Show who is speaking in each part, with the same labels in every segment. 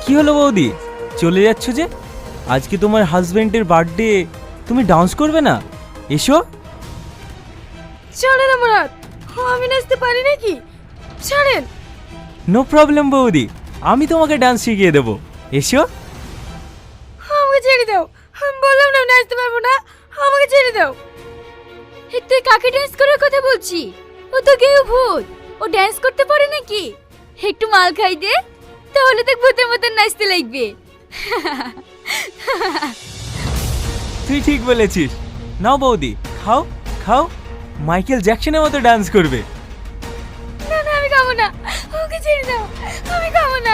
Speaker 1: কি হলো বৌদি, চলে যাচ্ছ যে? আজকে তোমার হাজবেন্ডের বার্থডে, তুমি ডান্স করবে না? এসো।
Speaker 2: ছাড়েন আমার হাত, আমি নাচতে পারি নাকি? ছাড়েন।
Speaker 1: নো প্রবলেম বৌদি, আমি তোমাকে ডান্স শিখিয়ে দেবো। এসো।
Speaker 2: আমাকে ছেড়ে দাও, আমি বললাম না আমি নাচতে পারবো না, আমাকে ছেড়ে দাও। তুই কাকে ডান্স করার কথা বলছি? ও তো কেউ ভূত, ও ডান্স করতে পারে নাকি? একটু মাল খাই দে, তাহলে দেখ ভূতের মতন নাচতে লাগবে।
Speaker 1: তুই ঠিক বলেছিস। নাও বৌদি, খাও খাও, মাইকেল জ্যাকসনের মতো ডান্স করবে।
Speaker 2: না না, আমি খাবো না, ওকে ছেড়ে দাও, আমি খাবো না,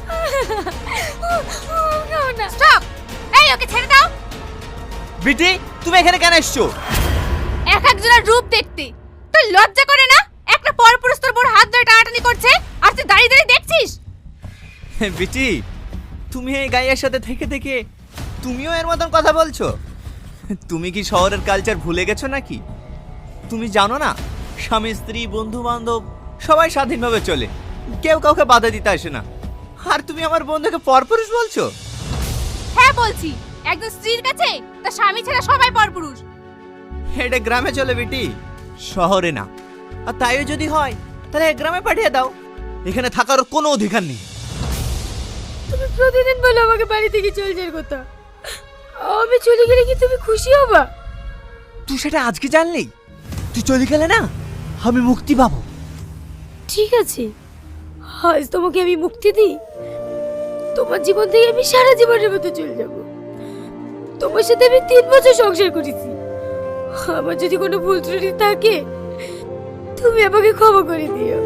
Speaker 2: আমি খাবো না। স্টপ! এই ওকে ছেড়ে দাও।
Speaker 3: বিটি, তুমি এখানে কেন এসছো?
Speaker 2: এক একজনের রূপ দেখতে তুই লজ্জা করে না? একটা পরপুরুষ তোর বড় হাত ধরে টানাটানি করছে আর তুই দাঁড়িয়ে দাঁড়িয়ে দেখছিস?
Speaker 3: বিটি, তুমি এই গাইয়ের সাথে থেকে থেকে তুমিও এর মতন কথা বলছো? তুমি কি শহরের কালচার ভুলে গেছো নাকি? তুমি জানো না, স্বামী স্ত্রী বন্ধু বান্ধব সবাই স্বাধীনভাবে চলে, কেউ কাউকে বাধা দিতে আসে না। আর তুমি আমার বন্ধুকে পরপুরুষ বলছো?
Speaker 2: হ্যাঁ বলছি, একজন স্ত্রীর কাছে তার স্বামী ছাড়া সবাই পরপুরুষ।
Speaker 3: এটা গ্রামে চলে বিটি, শহরে না। আর তাইও যদি হয় তাহলে গ্রামে পাঠিয়ে দাও, এখানে থাকার কোনো অধিকার নেই।
Speaker 2: তুমি প্রতিদিন বলো আমাকে বাড়ি থেকে চলে যাওয়ার কথা, আমি চলে গেলে কি তুমি খুশি হবা?
Speaker 3: তুই সেটা আজকে জানলি? তুই চলে গেলে না আমি মুক্তি পাবো।
Speaker 2: ঠিক আছে, আজ তোমাকে আমি মুক্তি দিই, তোমার জীবন থেকে আমি সারা জীবনের মতো চলে যাব। তোমার সাথে আমি 3 বছর সংসার করেছি, আমার যদি কোনো ভুল ত্রুটি থাকে তুমি আমাকে ক্ষমা করে দিও।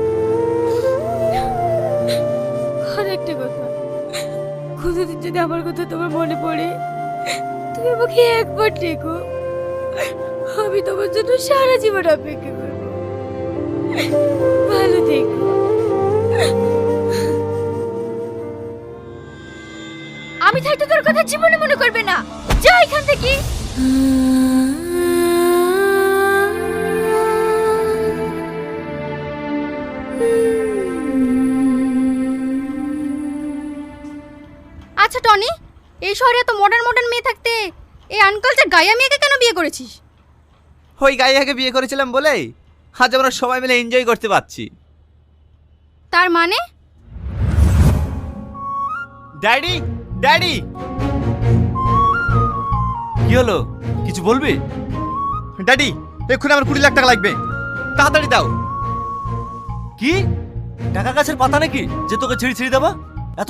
Speaker 2: আর একটা কথা, কোনোদিন যদি আমার কথা তোমার মনে পড়ে তুমি আমাকে একবার ডেকো, আমি তোমার জন্য সারা জীবন অপেক্ষা করবো। ভালো থেকো। আমি থাকতে তোর কথা জীবনে মনে করবে না, যা এখান থেকে। আচ্ছা টনি, এই শহরে এত মডার্ন মডার্ন মেয়ে থাকতে এই আনকালচার গায়া মেয়েকে কেন বিয়ে করেছিস?
Speaker 3: ওই গাইয়াকে বিয়ে করেছিলাম বলে আজ আমরা সবাই মিলে এনজয় করতে পারছি।
Speaker 2: তার মানে?
Speaker 3: Daddy, daddy!
Speaker 1: কি হলো, কিছু বলবি?
Speaker 3: ড্যাডি, এক্ষুনি আমার 20 লাখ টাকা লাগবে, তাড়াতাড়ি দাও।
Speaker 1: কি টাকা গাছের পাতা নাকি যে তোকে ছিঁড়ি ছিঁড়ি দেবো?